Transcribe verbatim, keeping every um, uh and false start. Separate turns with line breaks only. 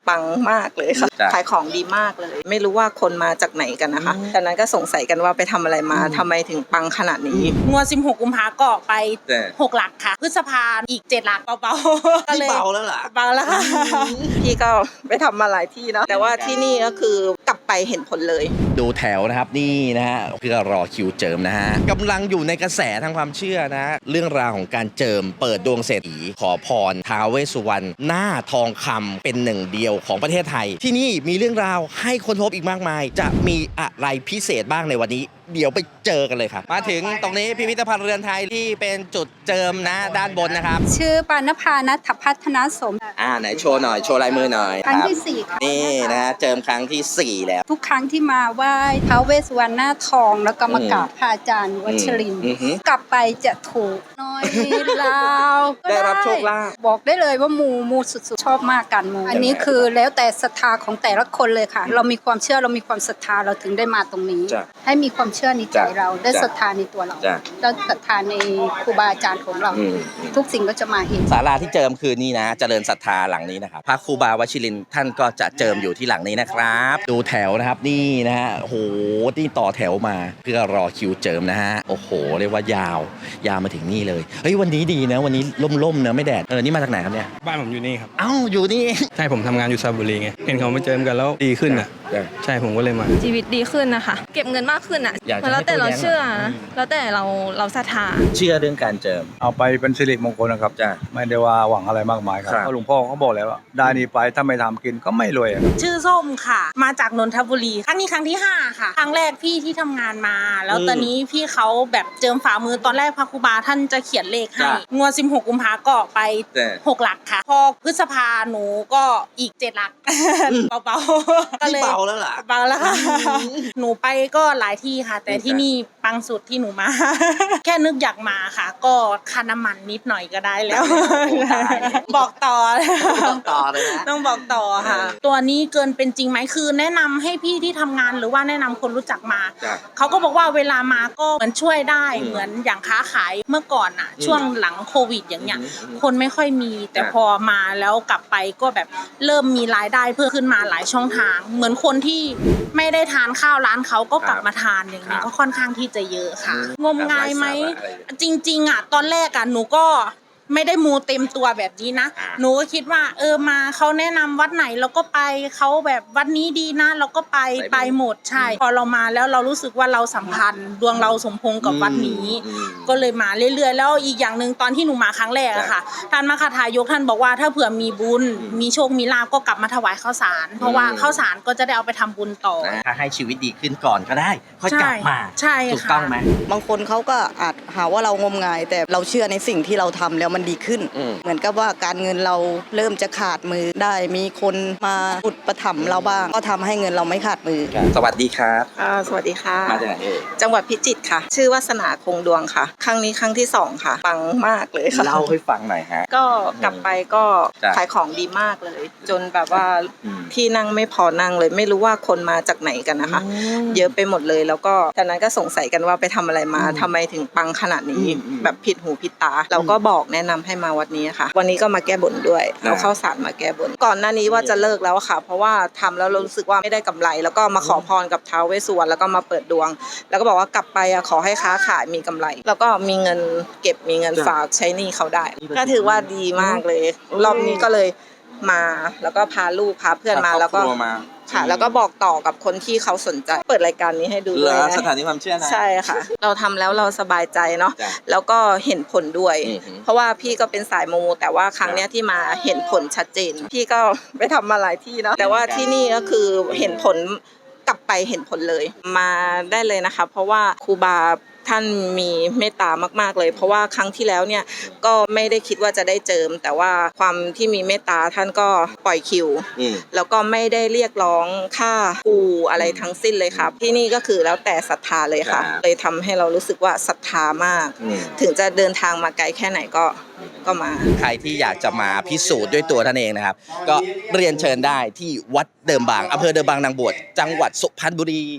ปังมากเลยค่ะขายของดีมากเลยไม่รู้ว่าคนมาจากไหนกันนะคะตอนนั้นก็สงสัยกันว่าไปทำอะไรมาทำไมถึงปังขนาดนี้
งวดสิบหกกุมภาก็ไปหกหลักค่ะพฤษภาอีกเจ็ดหลักเบาๆก็เลย
เบาแล้วล่ะ
เบาแล้วค่ะ
พี่ก็ไปทำมาหลายที่เนาะแต่ว่าที่นี่ก็คือกลับไปเห็นผลเลย
ดูแถวนะครับนี่นะฮะเพื่อรอคิวเจิมนะฮะกำลังอยู่ในกระแสทางความเชื่อนะเรื่องราวของการเจิมเปิดดวงเศรษฐีขอพรท้าวเวสสุวรรณหน้าทองคำเป็นหนึ่งเดียวของประเทศไทยที่นี่มีเรื่องราวให้ค้นพบอีกมากมายจะมีอะไรพิเศษบ้างในวันนี้เดี๋ยวไปเจอกันเลยครับมาถึงตรงนี้พิพิธภัณฑ์เรือนไทยที่เป็นจุดเจิมนะด้านบนนะครับ
ชื่อปานภานัทพัฒนสม
อ่าไหนโชว์หน่อยโชว์ลายมือหน่อย
ครั้งที่สี่
นี่นะเจิมครั้งที่สี่แล้ว
ทุกครั้งที่มาไหว้ท้าวเวสสุวรรณหน้าทองแล้วก็มากราบพระอาจารย์วัชรินทร์กลับไปจะถูกน้อยลาว
ได้รับโชคลาภ
บอกได้เลยว่ามูมูสุดๆชอบมากกันมูอันนี้คือแล้วแต่ศรัทธาของแต่ละคนเลยค่ะเรามีความเชื่อเรามีความศรัทธาเราถึงได้มาตรงนี้ให้มีความเชื่อในใจเราได้ศรัทธาในตัวเราได้ศรัทธาในครูบาอาจารย์ของเราทุกสิ่งก็จะมาเห็น
ศาลาที่เจิมคือนี่นะเจริญศรัทธาหลังนี้นะครับพระครูบาวชิรินทร์ท่านก็จะเจิมอยู่ที่หลังนี้นะครับดูแถวนะครับนี่นะฮะโอ้โหนี่ต่อแถวมาเพื่อรอคิวเจิมนะฮะโอ้โหเรียกว่ายาวยาวมาถึงนี่เลยเฮ้ยวันนี้ดีนะวันนี้ร่มๆนะไม่แดดเออนี่มาจากไหนครับเนี่ย
บ้านผมอยู่นี่ครับ
เอ้าอยู่นี่
ใช่ผมทำงานอยู่สระบุรีไงเห็นเขามาเจิมกันแล้วดีขึ้นอ่ะใช่ผมก็เลยมา
ชีวิตดีขึ้นนะคะเก็บเงินมากขึ้นอ่ะแล้วแต่เราเชื่อแล้วแต่เราเราศรัทธา
เชื่อเรื่องการเจิม
เอาไปเป็นสิริมงคลนะครับจ้ะไม่ได้ว่าหวังอะไรมากมายครับเพราะหลวงพ่อเขาบอกแล้วว่าได้นี่ไปถ้าไม่ทำกินก็ไม่รวย
ชื่อส้มค่ะมาจากนนทบุรีครั้งนี้ครั้งที่ห้าค่ะครั้งแรกพี่ที่ทำงานมาแล้วตอนนี้พี่เขาแบบเจิมฝ่ามือตอนแรกพระครูบาท่านจะเขียนเลขให้งวดสิบหกกุมภาก็ไปหกหลักค่ะพอพฤษภาหนูก็อีกเจ็ดหลักเบาๆก็เลย
เบาแล้วล่ะ
เบาแล้วค่ะหนูไปก็หลายที่ค่ะแต่ที่นี่ปังสุดที่หนูมาแค่นึกอยากมาค่ะก็ค่าน้ำมันนิดหน่อยก็ได้แล้วบอกต่อ
ต้องต่อเลยนะ
ต้องบอกต่อค่ะตัวนี้เกินเป็นจริงไหมคือแนะนำให้พี่ที่ทำงานหรือว่าแนะนำคนรู้จักมาเขาก็บอกว่าเวลามาก็เหมือนช่วยได้เหมือนอย่างค้าขายเมื่อก่อนอ่ะช่วงหลังโควิดอย่างเงี้ยคนไม่ค่อยมีแต่พอมาแล้วกลับไปก็แบบเริ่มมีรายได้เพิ่มขึ้นมาหลายช่องทางเหมือนคนที่ไม่ได้ทานข้าวร้านเขาก็กลับมาทานอย่างนี้ก็ค่อนข้างที่จะเยอะค่ะงมงายไหมจริงๆอ่ะตอนแรกอ่ะหนูก็ไม่ได้มูเต็มตัวแบบนี้นะหนูก็คิดว่าเออมาเขาแนะนำวัดไหนเราก็ไปเขาแบบวัดนี้ดีนะเราก็ไปไปหมดใช่พอเรามาแล้วเรารู้สึกว่าเราสัมพันธ์ดวงเราสมพงษ์กับวัดนี้ก็เลยมาเรื่อยๆแล้วอีกอย่างนึงตอนที่หนูมาครั้งแรกอะค่ะท่านมคทายกท่านบอกว่าถ้าเผื่อมีบุญมีโชคมีลาภก็กลับมาถวายข้าวสารเพราะว่าข้าวสารก็จะได้เอาไปทำบุญต่อ
ถ้าให้ชีวิตดีขึ้นก่อนก็ได้ค่อยกลับมา
ใช่
ถูกต้องไหม
บางคนเขาก็อาจหาว่าเรางมงายแต่เราเชื่อในสิ่งที่เราทำแล้วมันดีขึ้นเหมือนกับว่าการเงินเราเริ่มจะขาดมือได้มีคนมาอุดประถมเราบ้างก็ทำให้เงินเราไม่ขาดมือ
สวัสดีครับ
สวัสดีค่ะ
มาจากไหนเอ่ย
จังหวัดพิจิตรค่ะชื่อวาสนาคงดวงค่ะครั้งนี้ครั้งที่สองค่ะปังมากเลยค่ะ
เล่าให้ฟังหน่อยฮะ
ก็กลับไปก็ขายของดีมากเลยจนแบบว่าที่นั่งไม่พอนั่งเลยไม่รู้ว่าคนมาจากไหนกันนะคะเยอะไปหมดเลยแล้วก็ตอนนั้นก็สงสัยกันว่าไปทำอะไรมาทำไมถึงปังขนาดนี้แบบผิดหูผิดตาเราก็บอกแนะนำให้มาวัดนี้ค่ะวันนี้ก็มาแก้บนด้วยเอาข้าวสารมาแก้บนก่อนหน้านี้ว่าจะเลิกแล้วค่ะเพราะว่าทำแล้วรู้สึกว่าไม่ได้กำไรแล้วก็มาขอพรกับท้าวเวสสุวรรณแล้วก็มาเปิดดวงแล้วก็บอกว่ากลับไปขอให้ค้าขายมีกำไรแล้วก็มีเงินเก็บมีเงินฝากใช้หนี้เขาได้ก็ถือว่าดีมากเลยรอบนี้ก็เลยมาแล้วก็พาลูกพาเพื่อนมาแล้วก็ค่ะแล้วก็บอกต่อกับคนที่เขาสนใจเปิดรายการนี้ให้ดูด้วย
สถานีความเชื่อนะ
ใช่ค่ะเราทำแล้วเราสบายใจเนาะแล้วก็เห็นผลด้วยเพราะว่าพี่ก็เป็นสายมูแต่ว่าครั้งเนี้ยที่มาเห็นผลชัดเจนพี่ก็ไปทำมาหลายที่เนาะแต่ว่าที่นี่ก็คือเห็นผลกลับไปเห็นผลเลยมาได้เลยนะคะเพราะว่าครูบาท่านมีเมตตามากๆเลยเพราะว่าครั้งที่แล้วเนี่ยก็ไม่ได้คิดว่าจะได้เจิมแต่ว่าความที่มีเมตตาท่านก็ปล่อยคิวแล้วก็ไม่ได้เรียกร้องค่าปูอะไรทั้งสิ้นเลยครับที่นี่ก็คือแล้วแต่ศรัทธาเลยค่ะเลยทำให้เรารู้สึกว่าศรัทธามากถึงจะเดินทางมาไกลแค่ไหนก็ก็มา
ใครที่อยากจะมาพิสูจน์ด้วยตัวท่านเองนะครับก็เรียนเชิญได้ที่วัดเดิมบางอำเภอเดิมบางนางบวชจังหวัดสุพรรณบุรี